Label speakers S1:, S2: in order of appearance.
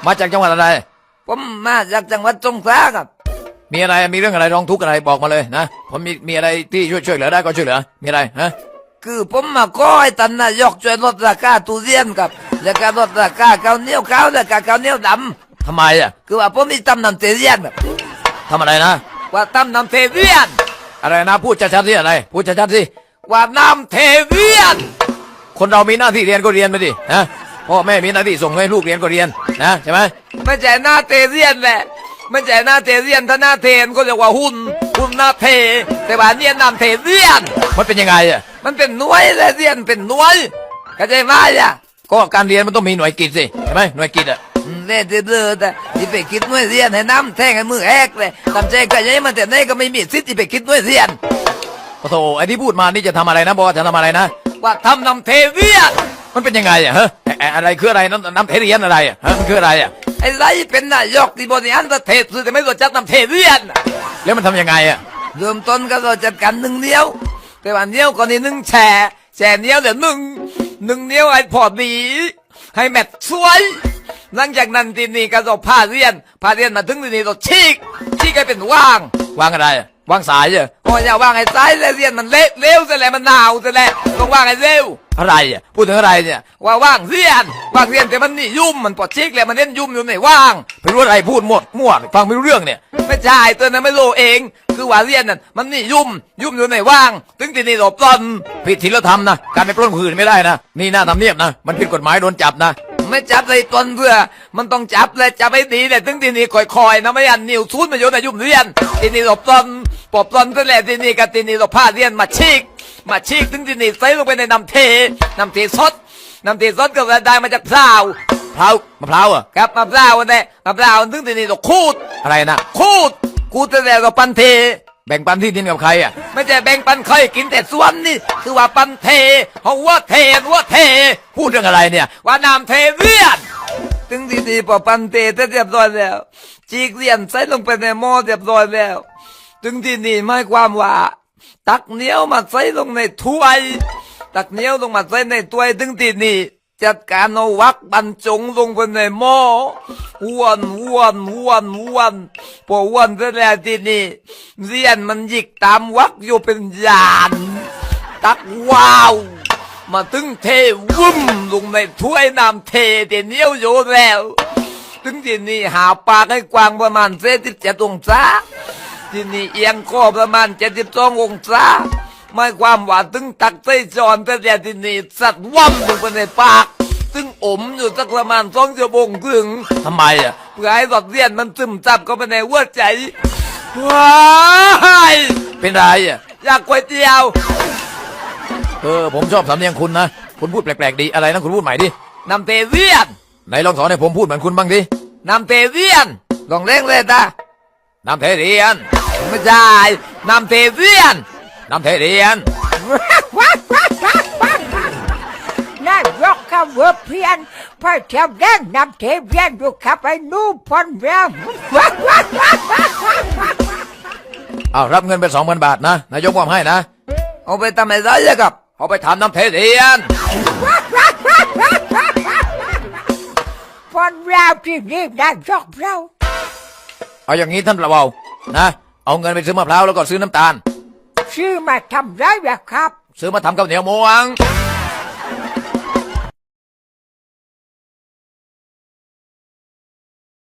S1: มาจากจังหวัดอะไร
S2: ผมมาจากจังหวัดสงขลาครับ
S1: มีอะไรมีเรื่องอะไรร้องทุกข์อะไรบอกมาเลยนะผมมีอะไรที่ช่วยเหลือได้ก็ช่วยเหลือมีอะไรฮะ
S2: คือผมมาขอให้ท่านนายกช่วยลดราคาทุเรียนครับและก็ลดราคาข้าวเหนียวขาวและก็ข้าวเหนียวด
S1: ำทำไมอ่ะ
S2: คือว่าผมมีตำน้ำเทเรียนครับ
S1: ทำอะไรนะ
S2: ว่าตำน้ำเทเรียน
S1: อะไรนะพูดชัดๆสิอะไรพูดชัดๆสิ
S2: ว่าน้ำเทเรียน
S1: คนเรามีหน้าที่เรียนก็เรียนไปดินะพ่อแม่มีหน้าที่ส่งให้ลูกเรียนก็เรียนนะใช่ไหม
S2: ไม่ใช่หน้าเทเรียนแหละไม่ใช่หน้าเทเรียนถ้าหน้าเทนก็เรียกว่าหุ่นหน้าเทแต่ว่าเนี่ยน้ำเทเรียน
S1: มันเป็นยังไงอ่ะ
S2: มันเป็นหน่วยและเรียนเป็นหน่วยเข้าใจไหมอ่ะ
S1: ก็การเรียนมันต้องมีหน่วยกิตสิใช่ไหมหน่วยกิตอ่ะ
S2: เล่นเดือดแต่ที่ไปคิดหน่วยเรียนให้น้ำแทงให้มือแหกเลยทำใจก็ยังมันแต่ไหนก็ไม่มีสิทธิ์ที่ไปคิดหน่วยเรียน
S1: โอ้โหไอ้ที่พูดมานี่จะทำอะไรนะบอกว่าจะทำอะไรนะ
S2: ว่าทำน้ำเทเรียน
S1: มันเป็นยังไงอ่ะฮะอะไรคืออะไรน้ำเทเรียนอะไรอ่ะฮะมันคืออะไรอ่ะ
S2: ไอ้ไรเป็นนายกที่บริหารประเทศสุดแต่ไม่รู้จักน้ำเทเรียน
S1: แล้วมันทำยังไงอ่ะ
S2: เริ่มต้นก็เราจัดการ1 นิ้วแต่ว่านิ้วก่อนนี่1 แฉนิ้วเดี๋ยว1นิ้วให้พอดีให้แมทสวยหลังจากนั้นทีนี้ก็จะผ้าเรียนมาถึงทีนี้เราฉีกให้เป็นว่าง
S1: อะไรวางสายเหรอ
S2: โอ้ยอย่าวางให้สายแล้วเรียนมันเละเร็วซะแล้วมันหนาวซะแล้วต้องวางให้เร็ว
S1: อะไรอ่ะพูดถึงอะไรเนี่ย
S2: ว่าว่างเรียนแต่มันนี่ยุ่มมันปวดชิกแล้วมันเล่นยุ่มอยู่ไหนว่าง
S1: ไม่รู้อะไรพูดหมดมั่วฟังไม่รู้เรื่องเนี่ย
S2: ไม่ใช่ตัวนั้นไม่รู้เองคือว่าเรียนนั่นมันนี่ยุ่มอยู่ไหนว่างถึงที่นี่หลบปล้น
S1: ผิดศีลธรรมนะการไปปล้นคนอื่นไม่ได้นะนี่หน้าทำเนียบนะมันผิดกฎหมายโดนจับนะ
S2: ไม่จับเลยปล้นเพื่อมันต้องจับเลยจับให้ดีเลยถึงที่นี่คอยๆนะไม่อันนิ้วซูดมาอยู่ในยุ่มเรียนที่นี่หลบปล้นซะแล้วที่นี่กับที่นี่เราพาเรียนมาชิกถึงที่นี่ใส่ลงไปในน้ำเทสดก็ได้มาจากมะพร้าว
S1: อ่ะ
S2: ครับมะพร้าวเนี่ยมะพร้าวถึงที่นี่เราคูด
S1: อะไรนะ
S2: คูดแต่แล้วก็ปันเท
S1: แบ่งปันที่ดินกับใครอ่ะ
S2: ไม่ใช่แบ่งปันใครกินแต่ส่วนนี่คือว่าปันเทหัวเท
S1: พูดเรื่องอะไรเนี่ย
S2: ว่าน้ำเทเรียนถึงที่นี่พอปันเทเรียบร้อยแล้วจีกเรียนใส่ลงไปในหม้อเรียบร้อยแล้วถึงที่นี่หมายความว่าตักเหนียวมาใส่ลงในถ้วยถึงที่นี่จัดการเอาวักบรรจงลงไปในหม้อวนพอวนเสร็จแล้วที่นี่เรียนมันหยิกตามวักอยู่เป็นยานตักว้าวมาถึงเทวุ่มลงในถ้วยน้ำเทเดี๋ยวเหนียวอยู่แล้วถึงที่นี่หาปากให้กว้างประมาณ17 องศาที่นี่เอียงคอประมาณ72 องศาไม่ความว่าถึงตักใส่จอนแต่ที่นี่สัตว์ว่ำลงไปในปากซึ่งอมอยู่สักประมาณ2 ชั่วโมงครึ่ง
S1: ทำไมอ่ะ
S2: เพื่อให้หลอดเลียนมันซึมซับเข้าไปในหัวใจว้าย
S1: เป็นไรอ่ะ
S2: อยากก๋วยเตี๋ยว
S1: ผมชอบสำเนียงคุณนะคุณพูดแปลกๆดีอะไรนะคุณพูดใหม่ดิ
S2: น้ำเทเรียน
S1: ไหนลองสอนให้ผมพูดเหมือนคุณบ้างดิ
S2: น้ำเทเรียนลองเร่งเลยนะ
S1: น้ำเทเรียน
S2: ไม่ใช่น้ำเทเรียน
S3: นายกกับเวอร์เพียนพอเที่ยวเล่นน้ำเทเรียนอยู่ขับไปนู่นพอนแวว
S1: รับเงินไป20,000 บาทนะนายกมอบให้นะ
S2: เอาไปทำอะไรเลยครับ
S1: เอาไปทำน้ำเทเรียน
S3: พอนแววที่นี่นายกเรา
S1: เอาอย่างนี้ท่านประเบานะเอาเงินไปซื้อมะพร้าวแล้วก็ซื้อน้ำตาล
S3: ซื้อมาทำไรแบบครับ
S1: ซื้อมาทำข้าวเหนียวม้วง